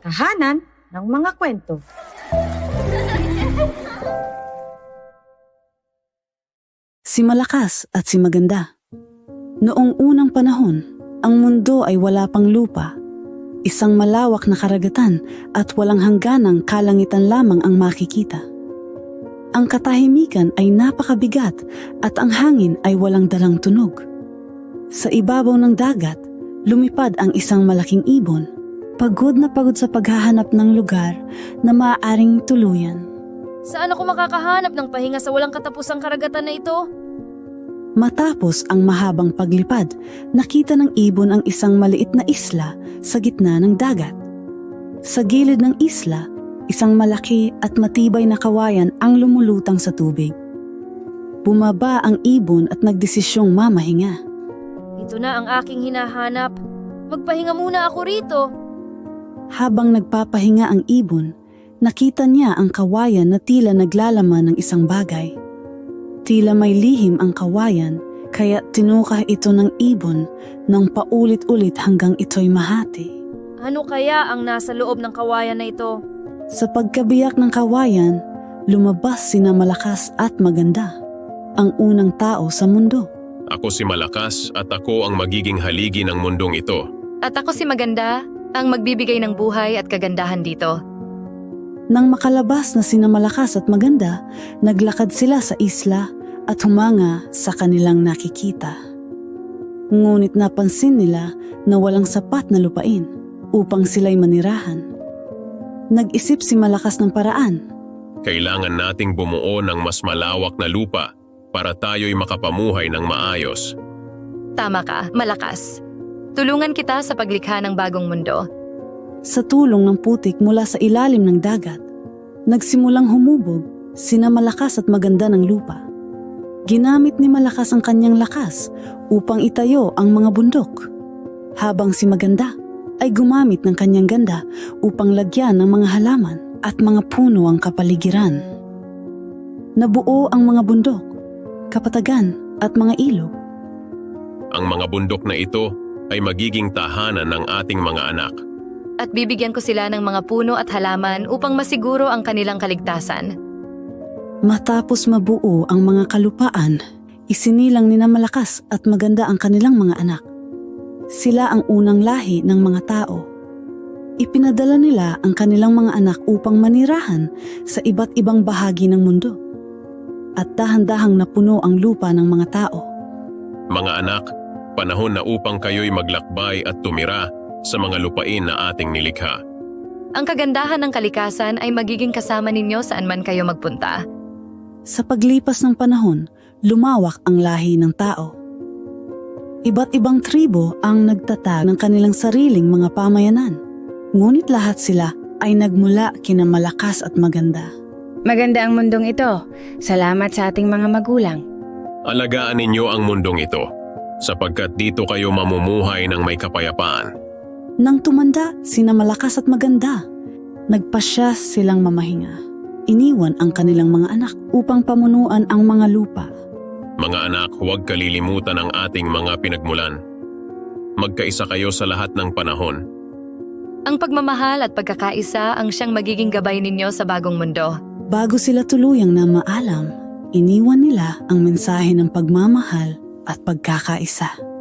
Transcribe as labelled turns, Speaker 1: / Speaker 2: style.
Speaker 1: Tahanan ng mga kwento.
Speaker 2: Si Malakas at si Maganda. Noong unang panahon, ang mundo ay wala pang lupa. Isang malawak na karagatan at walang hangganang kalangitan lamang ang makikita. Ang katahimikan ay napakabigat at ang hangin ay walang dalang tunog. Sa ibabaw ng dagat, lumipad ang isang malaking ibon. Pagod na pagod sa paghahanap ng lugar na maaaring tuluyan.
Speaker 3: Saan ako makakahanap ng pahinga sa walang katapusang karagatan na ito?
Speaker 2: Matapos ang mahabang paglipad, nakita ng ibon ang isang maliit na isla sa gitna ng dagat. Sa gilid ng isla, isang malaki at matibay na kawayan ang lumulutang sa tubig. Bumaba ang ibon at nagdesisyong mamahinga.
Speaker 3: Ito na ang aking hinahanap. Magpahinga muna ako rito.
Speaker 2: Habang nagpapahinga ang ibon, nakita niya ang kawayan na tila naglalaman ng isang bagay. Tila may lihim ang kawayan, kaya tinukah ito ng ibon ng paulit-ulit hanggang ito'y mahati.
Speaker 3: Ano kaya ang nasa loob ng kawayan na ito?
Speaker 2: Sa pagkabiyak ng kawayan, lumabas sina Malakas at Maganda, ang unang tao sa mundo.
Speaker 4: Ako si Malakas at ako ang magiging haligi ng mundong ito.
Speaker 5: At ako si Maganda, ang magbibigay ng buhay at kagandahan dito.
Speaker 2: Nang makalabas na sina Malakas at Maganda, naglakad sila sa isla at humanga sa kanilang nakikita. Ngunit napansin nila na walang sapat na lupain upang sila'y manirahan. Nag-isip si Malakas ng paraan.
Speaker 4: Kailangan nating bumuo ng mas malawak na lupa para tayo'y makapamuhay ng maayos.
Speaker 5: Tama ka, Malakas. Tulungan kita sa paglikha ng bagong mundo.
Speaker 2: Sa tulong ng putik mula sa ilalim ng dagat, nagsimulang humubog sina Malakas at Maganda ng lupa. Ginamit ni Malakas ang kanyang lakas upang itayo ang mga bundok, habang si Maganda ay gumamit ng kanyang ganda upang lagyan ng mga halaman at mga puno ang kapaligiran. Nabuo ang mga bundok, kapatagan at mga ilog.
Speaker 4: Ang mga bundok na ito ay magiging tahanan ng ating mga anak.
Speaker 5: At bibigyan ko sila ng mga puno at halaman upang masiguro ang kanilang kaligtasan.
Speaker 2: Matapos mabuo ang mga kalupaan, isinilang nina Malakas at Maganda ang kanilang mga anak. Sila ang unang lahi ng mga tao. Ipinadala nila ang kanilang mga anak upang manirahan sa iba't ibang bahagi ng mundo. At dahan-dahang napuno ang lupa ng mga tao.
Speaker 4: Mga anak, panahon na upang kayo'y maglakbay at tumira sa mga lupain na ating nilikha.
Speaker 5: Ang kagandahan ng kalikasan ay magiging kasama ninyo saan man kayo magpunta.
Speaker 2: Sa paglipas ng panahon, lumawak ang lahi ng tao. Iba't ibang tribo ang nagtatag ng kanilang sariling mga pamayanan. Ngunit lahat sila ay nagmula kina Malakas at Maganda.
Speaker 6: Maganda ang mundong ito. Salamat sa ating mga magulang.
Speaker 4: Alagaan ninyo ang mundong ito, sapagkat dito kayo mamumuhay ng may kapayapaan.
Speaker 2: Nang tumanda sina Malakas at Maganda, nagpasya silang mamahinga. Iniwan ang kanilang mga anak upang pamunuan ang mga lupa.
Speaker 4: Mga anak, huwag kalilimutan ang ating mga pinagmulan. Magkaisa kayo sa lahat ng panahon.
Speaker 5: Ang pagmamahal at pagkakaisa ang siyang magiging gabay ninyo sa bagong mundo.
Speaker 2: Bago sila tuluyang na maalam, iniwan nila ang mensahe ng pagmamahal at pagkakaisa.